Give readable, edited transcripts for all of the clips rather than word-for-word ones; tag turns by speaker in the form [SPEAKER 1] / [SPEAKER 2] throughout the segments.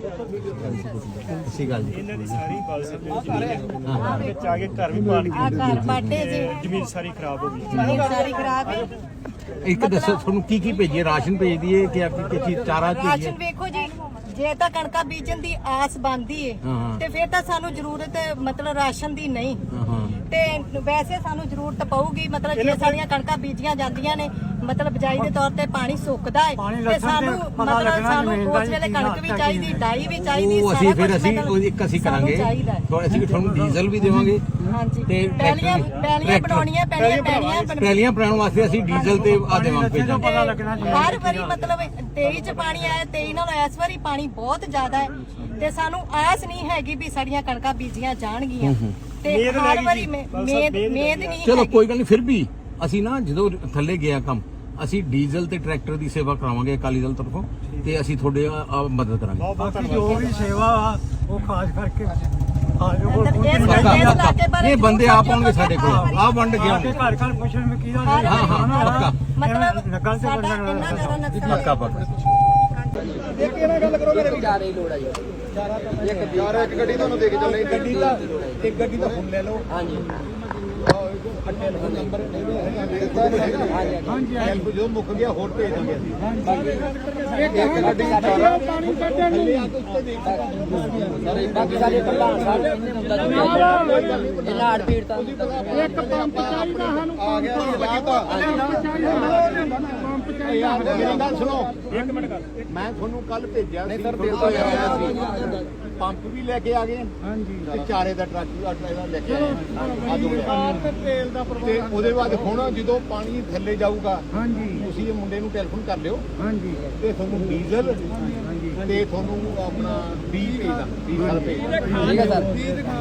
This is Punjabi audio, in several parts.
[SPEAKER 1] ਸਹੀ ਗੱਲ ਜੀ।
[SPEAKER 2] ਇਹਨਾਂ ਦੀ ਸਾਰੀ ਗੱਲ ਸਮਝ ਵਿੱਚ ਆ ਕੇ ਘਰ ਵੀ ਪਾੜ ਗਏ,
[SPEAKER 3] ਘਰ ਬਾਟੇ ਜੀ,
[SPEAKER 2] ਜ਼ਮੀਨ ਸਾਰੀ ਖਰਾਬ ਹੋ ਗਈ।
[SPEAKER 3] ਜ਼ਮੀਨ ਸਾਰੀ ਖਰਾਬ ਹੈ।
[SPEAKER 1] ਇੱਕ ਦੱਸੋ ਤੁਹਾਨੂੰ ਕੀ ਭੇਜੀਏ? ਰਾਸ਼ਨ ਭੇਜਦੀ ਹੈ ਕਿ ਆਪਕੀ ਕੀ ਚੀਜ਼ ਚਾਰਾ ਭੇਜੀਏ?
[SPEAKER 3] ਰਾਸ਼ਨ ਵੇਖੋ ਜੀ, ਜੇ ਤਾਂ ਕਣਕਾਂ ਬੀਜਣ ਦੀ ਆਸ ਬਣਦੀ ਏ ਤੇ ਫਿਰ ਤਾਂ ਸਾਨੂੰ ਜ਼ਰੂਰਤ ਮਤਲਬ ਰਾਸ਼ਨ ਦੀ ਨਹੀਂ, ਤੇ ਵੈਸੇ ਸਾਨੂੰ ਜ਼ਰੂਰਤ ਪਊਗੀ। ਮਤਲਬ ਜੇ ਸਾਡੀਆਂ ਕਣਕਾਂ ਬੀਜੀਆਂ ਜਾਂਦੀਆਂ ਨੇ, ਮਤਲਬ ਬਿਜਾਈ ਦੇ ਤੌਰ ਤੇ ਪਾਣੀ ਸੁੱਕਦਾ ਹੈ ਤੇ ਸਾਨੂੰ ਮਤਲਬ ਸਾਨੂੰ ਉਸ ਵੇਲੇ ਕਣਕ ਵੀ ਚਾਹੀਦੀ, ਡਾਈ ਵੀ ਚਾਹੀਦੀ।
[SPEAKER 1] ਉਹ ਅਸੀਂ ਫਿਰ ਅਸੀਂ ਇੱਕ ਕਰਾਂਗੇ, ਅਸੀਂ ਤੁਹਾਨੂੰ ਡੀਜ਼ਲ ਵੀ ਦੇਵਾਂਗੇ।
[SPEAKER 3] ਹਾਂਜੀ,
[SPEAKER 1] ਤੇ
[SPEAKER 3] ਪਹਿਲੀਆਂ ਬਣਾਉਣੀਆਂ
[SPEAKER 1] ਪਹਿਲੀਆਂ ਬਣਾਉਣ ਵਾਸਤੇ ਅਸੀਂ ਡੀਜ਼ਲ ਤੇ ਆ ਦੇਵਾਂਗੇ।
[SPEAKER 3] ਹਰ ਵਾਰੀ ਮਤਲਬ 23 ਚ ਪਾਣੀ ਆਇਆ, 23 ਨਾਲ ਇਸ ਵਾਰੀ ਪਾਣੀ ਬਹੁਤ ਜ਼ਿਆਦਾ ਹੈ ਤੇ ਸਾਨੂੰ ਆਸ ਨਹੀਂ ਹੈਗੀ ਵੀ ਸਾਡੀਆਂ ਕਣਕਾਂ ਬੀਜੀਆਂ ਜਾਣਗੀਆਂ ਤੇ ਹਰ ਵਾਰੀ ਮੇਦ ਨਹੀਂ।
[SPEAKER 1] ਚਲੋ ਕੋਈ ਗੱਲ ਨਹੀਂ, ਫਿਰ ਵੀ ਅਸੀਂ ਨਾ ਜਦੋਂ ਥੱਲੇ ਗਿਆ ਕੰਮ, ਅਸੀਂ ਡੀਜ਼ਲ ਤੇ ਟਰੈਕਟਰ ਦੀ ਸੇਵਾ ਕਰਾਵਾਂਗੇ ਅਕਾਲੀ ਦਲ ਤਰਫੋਂ, ਤੇ ਅਸੀਂ ਤੁਹਾਡੇ ਮਦਦ ਕਰਾਂਗੇ।
[SPEAKER 4] ਜੋ ਵੀ ਸੇਵਾ ਆ ਉਹ ਖਾਸ ਕਰਕੇ
[SPEAKER 1] ਇਹ ਬੰਦੇ ਆਪ ਆਉਣਗੇ ਸਾਡੇ ਕੋਲ, ਆਪ ਵੰਡ ਗਿਆ
[SPEAKER 4] ਘਰ ਘਰ ਪੁੱਛਣ ਮੈਂ ਕੀ
[SPEAKER 1] ਹਾਂ ਪੱਕਾ
[SPEAKER 3] ਮਤਲਬ ਸਾਡਾ ਇੰਨਾ ਜ਼ਿਆਦਾ ਨੁਕਸਾਨ
[SPEAKER 1] ਪੱਕਾ ਪੱਕਾ।
[SPEAKER 5] ਇੱਕ ਇਹਨਾਂ ਗੱਲ ਕਰੋ ਮੇਰੇ ਚਾਰੇ ਹੀ ਲੋੜ ਆ ਜੀ। ਇੱਕ ਗੱਡੀ ਤੁਹਾਨੂੰ ਦੇ ਕੇ ਚੱਲੇ, ਗੱਡੀ ਦਾ ਇੱਕ ਗੱਡੀ ਦਾ ਫੋਨ ਲੈ ਲਓ। ਹਾਂਜੀ ਨੰਬਰ ਹਾਂਜੀ ਹੈਲਪ ਜੋ ਮੁੱਕ ਗਿਆ ਹੋਰ ਭੇਜ ਦਾਂਗੇ ਅਸੀਂ। ਇੱਕ ਗੱਡੀ ਚਾਰਾ ਪਾਣੀ ਕੱਢਣ ਨੂੰ ਸਾਰੇ ਬਾਕੀ ਸਾਰੇ ਪ੍ਰਧਾਨ ਸਾਹਿਬ ਇਹ ਲਾੜ ਪੀੜ ਤਾਂ ਇੱਕ ਪੰਪ ਚਾਹੀਦਾ ਸਾਨੂੰ, ਆ ਗਿਆ ਲਾਤਾ ਪੰਪ ਚਾਹੀਦਾ। ਮੇਰੀ ਗੱਲ ਸੁਣੋ, ਇੱਕ ਮਿੰਟ ਕਰ, ਮੈਂ ਤੁਹਾਨੂੰ ਕੱਲ ਭੇਜਿਆ ਸੀ, ਪੰਪ ਵੀ ਲੈ ਕੇ ਆ ਗਏ। ਹਾਂਜੀ, ਤੇ ਚਾਰੇ ਦਾ ਟਰੱਕ ਇਹਦਾ ਲੈ ਕੇ ਆਏ ਤੇ ਤੇਲ ਦਾ ਪ੍ਰਬੰਧ। ਤੇ ਉਹਦੇ ਬਾਅਦ ਹੁਣ ਜਦੋਂ ਪਾਣੀ ਥੱਲੇ ਜਾਊਗਾ, ਹਾਂਜੀ, ਤੁਸੀਂ ਇਹ ਮੁੰਡੇ ਨੂੰ ਟੈਲੀਫੋਨ ਕਰ ਲਿਓ। ਹਾਂਜੀ, ਤੇ ਤੁਹਾਨੂੰ ਡੀਜ਼ਲ ਤੇ ਤੁਹਾਨੂੰ ਆਪਣਾ 20 ਭੇਜਦਾ, 20 ਸਾਲ ਭੇਜਦਾ। ਠੀਕ ਹੈ ਸਰ,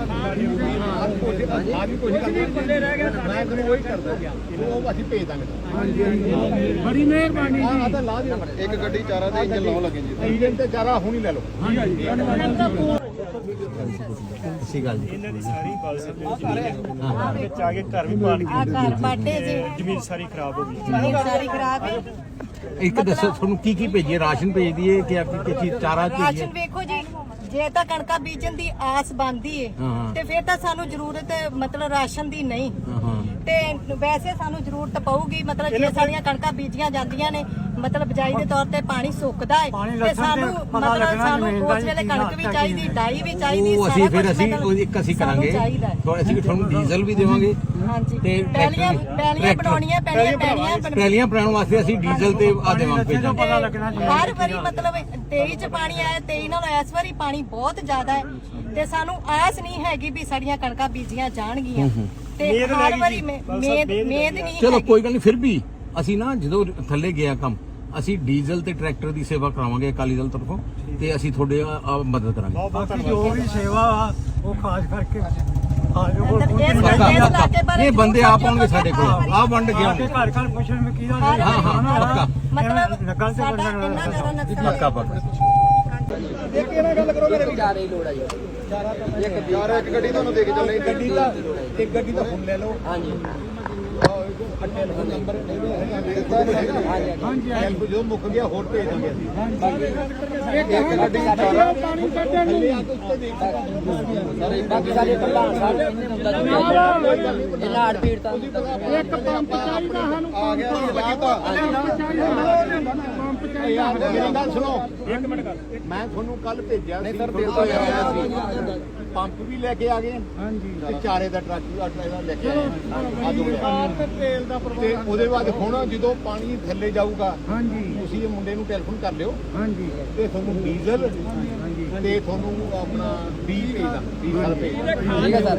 [SPEAKER 5] ਆ ਵੀ ਕੁਝ ਕਰਦੇ ਮੈਂ ਤੁਹਾਨੂੰ ਉਹੀ ਕਰਦਾ, ਉਹ ਅਸੀਂ ਭੇਜ ਦਾਂਗੇ। ਹਾਂਜੀ, ਬੜੀ ਮਿਹਰਬਾਨੀ ਜੀ। ਆ ਤਾਂ ਲਾ ਦਿਓ, ਇੱਕ ਗੱਡੀ ਚਾਰਾ ਦੇ ਇੰਜਨ ਲਾਉਣ ਲੱਗੇ ਜੀ। ਇੰਜਨ ਤੇ ਚਾਰਾ ਹੁਣ ਹੀ ਲੈ ਲਓ।
[SPEAKER 1] ਸਹੀ ਗੱਲ ਜੀ।
[SPEAKER 2] ਇਹਨਾਂ ਦੀ ਸਾਰੀ ਗੱਲ ਸਮਝ ਵਿੱਚ ਆ ਕੇ ਘਰ ਵੀ ਪਾੜ ਗਏ,
[SPEAKER 3] ਘਰ ਬਾਟੇ ਜੀ,
[SPEAKER 2] ਜ਼ਮੀਨ ਸਾਰੀ ਖਰਾਬ ਹੋ ਗਈ।
[SPEAKER 3] ਜ਼ਮੀਨ ਸਾਰੀ ਖਰਾਬ ਹੈ।
[SPEAKER 1] ਇੱਕ ਦੱਸੋ ਤੁਹਾਨੂੰ ਕੀ ਭੇਜੀਏ? ਰਾਸ਼ਨ ਭੇਜਦੀ ਹੈ ਕਿ ਆਪਕੀ ਕੀ ਚੀਜ਼ ਚਾਰਾ ਭੇਜੀਏ?
[SPEAKER 3] ਰਾਸ਼ਨ ਵੇਖੋ ਜੀ, ਜੇ ਤਾਂ ਕਣਕਾਂ ਬੀਜਣ ਦੀ ਆਸ ਬਣਦੀ ਏ ਤੇ ਫਿਰ ਤਾਂ ਸਾਨੂੰ ਜ਼ਰੂਰਤ ਮਤਲਬ ਰਾਸ਼ਨ ਦੀ ਨਹੀਂ, ਤੇ ਵੈਸੇ ਸਾਨੂੰ ਜ਼ਰੂਰਤ ਪਊਗੀ। ਮਤਲਬ ਜੇ ਸਾਡੀਆਂ ਕਣਕਾਂ ਬੀਜੀਆਂ ਜਾਂਦੀਆਂ ਨੇ, ਮਤਲਬ ਬਿਜਾਈ ਦੇ ਤੌਰ ਤੇ ਪਾਣੀ ਸੁੱਕਦਾ ਹੈ ਤੇ ਸਾਨੂੰ ਮਤਲਬ ਸਾਨੂੰ ਉਸ ਵੇਲੇ ਕਣਕ ਵੀ ਚਾਹੀਦੀ, ਡਾਈ ਵੀ ਚਾਹੀਦੀ।
[SPEAKER 1] ਉਹ ਅਸੀਂ ਫਿਰ ਅਸੀਂ ਕਰਾਂਗੇ, ਅਸੀਂ ਤੁਹਾਨੂੰ ਡੀਜ਼ਲ ਵੀ ਦੇਵਾਂਗੇ।
[SPEAKER 3] ਹਾਂਜੀ,
[SPEAKER 1] ਤੇ
[SPEAKER 3] ਪਹਿਲੀਆਂ ਬਣਾਉਣੀਆਂ
[SPEAKER 1] ਪਹਿਲੀਆਂ ਬਣਾਉਣ ਵਾਸਤੇ ਅਸੀਂ ਡੀਜ਼ਲ ਤੇ ਆ ਦੇਵਾਂਗੇ।
[SPEAKER 3] ਹਰ ਵਾਰੀ ਮਤਲਬ 23 ਚ ਪਾਣੀ ਆਇਆ, 23 ਨਾਲ ਇਸ ਵਾਰੀ ਪਾਣੀ ਬਹੁਤ ਜ਼ਿਆਦਾ ਹੈ ਤੇ ਸਾਨੂੰ ਆਸ ਨਹੀਂ ਹੈਗੀ ਵੀ ਸਾਡੀਆਂ ਕਣਕਾਂ ਬੀਜੀਆਂ ਜਾਣਗੀਆਂ ਤੇ ਹਰ ਵਾਰੀ ਮੇਦ ਨਹੀਂ।
[SPEAKER 1] ਚਲੋ ਕੋਈ ਗੱਲ ਨਹੀਂ, ਫਿਰ ਵੀ ਅਸੀਂ ਨਾ ਜਦੋਂ ਥੱਲੇ ਗਿਆ ਕੰਮ, ਅਸੀਂ ਡੀਜ਼ਲ ਤੇ ਟਰੈਕਟਰ ਦੀ ਸੇਵਾ ਕਰਾਵਾਂਗੇ ਅਕਾਲੀ ਦਲ ਤਰਫੋਂ, ਤੇ ਅਸੀਂ ਤੁਹਾਡੇ ਮਦਦ ਕਰਾਂਗੇ।
[SPEAKER 4] ਜੋ ਵੀ ਸੇਵਾ ਆ ਉਹ ਖਾਸ ਕਰਕੇ
[SPEAKER 1] ਇਹ ਬੰਦੇ ਆਪ ਆਉਣਗੇ ਸਾਡੇ ਕੋਲ, ਆਪ ਵੰਡ ਗਿਆ
[SPEAKER 4] ਘਰ ਘਰ ਪੁੱਛਣ ਮੈਂ ਕੀ
[SPEAKER 1] ਪੱਕਾ
[SPEAKER 3] ਮਤਲਬ ਸਾਡਾ ਇੰਨਾ ਜ਼ਿਆਦਾ ਨੁਕਸਾਨ
[SPEAKER 1] ਪੱਕਾ ਪੱਕਾ।
[SPEAKER 5] ਇੱਕ ਇਹਨਾਂ ਗੱਲ ਕਰੋ ਮੇਰੇ
[SPEAKER 6] ਚਾਰੇ ਹੀ ਲੋੜ ਆ ਜੀ।
[SPEAKER 5] ਇੱਕ ਗੱਡੀ ਤੁਹਾਨੂੰ ਦੇ ਕੇ ਚੱਲੇ, ਗੱਡੀ ਦਾ ਇੱਕ ਗੱਡੀ ਦਾ ਫੋਨ ਲੈ ਲਓ। ਹਾਂਜੀ ਨੰਬਰ ਹਾਂਜੀ ਹੈਲਪ ਜੋ ਮੁੱਕ ਗਿਆ ਹੋਰ ਭੇਜ ਦਾਂਗੇ ਅਸੀਂ। ਇੱਕ ਗੱਡੀ ਚਾਰਾ ਪਾਣੀ ਕੱਢਣ ਨੂੰ
[SPEAKER 6] ਸਾਰੇ ਬਾਕੀ ਸਾਰੇ ਪ੍ਰਧਾਨ ਸਾਹਿਬ ਇਹ ਲਾੜ ਪੀੜ ਤਾਂ
[SPEAKER 4] ਇੱਕ ਪੰਪ ਚਾਹੀਦਾ ਸਾਨੂੰ,
[SPEAKER 5] ਆ ਗਿਆ ਲਾਤਾ
[SPEAKER 4] ਪੰਪ ਚਾਹੀਦਾ।
[SPEAKER 5] ਮੇਰੀ ਗੱਲ ਸੁਣੋ, ਇੱਕ ਮਿੰਟ ਕਰ, ਮੈਂ ਤੁਹਾਨੂੰ ਕੱਲ ਭੇਜਿਆ ਸੀ, ਪੰਪ ਵੀ ਲੈ ਕੇ ਆ ਗਏ। ਹਾਂਜੀ, ਤੇ ਚਾਰੇ ਦਾ ਟਰੱਕ ਇਹਦਾ ਲੈ ਕੇ ਆਏ ਤੇ ਤੇਲ ਦਾ ਪ੍ਰਬੰਧ। ਤੇ ਉਹਦੇ ਬਾਅਦ ਹੁਣ ਜਦੋਂ ਪਾਣੀ ਥੱਲੇ ਜਾਊਗਾ, ਹਾਂਜੀ, ਤੁਸੀਂ ਇਹ ਮੁੰਡੇ ਨੂੰ ਟੈਲੀਫੋਨ ਕਰ ਲਿਓ। ਹਾਂਜੀ, ਤੇ ਤੁਹਾਨੂੰ ਡੀਜ਼ਲ ਤੇ ਤੁਹਾਨੂੰ ਆਪਣਾ 20 ਭੇਜਦਾ, 20 ਸਾਲ ਭੇਜਦਾ।
[SPEAKER 6] ਠੀਕ ਹੈ ਸਰ,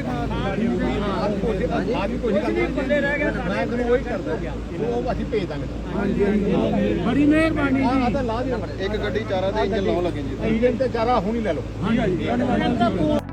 [SPEAKER 5] ਆ ਵੀ ਕੁਝ ਕਰਦੇ ਮੈਂ ਤੁਹਾਨੂੰ ਉਹੀ ਕਰਦਾ, ਉਹ ਅਸੀਂ ਭੇਜ ਦਾਂਗੇ।
[SPEAKER 4] ਹਾਂਜੀ, ਬੜੀ ਮਿਹਰਬਾਨੀ ਜੀ।
[SPEAKER 5] ਆ ਤਾਂ ਲਾ ਦਿਓ, ਇੱਕ ਗੱਡੀ ਚਾਰਾ ਦੇ ਇੰਜਨ ਲਾਉਣ ਲੱਗੇ ਜੀ। ਇੰਜਨ ਤੇ ਚਾਰਾ ਹੁਣ ਹੀ ਲੈ ਲਓ।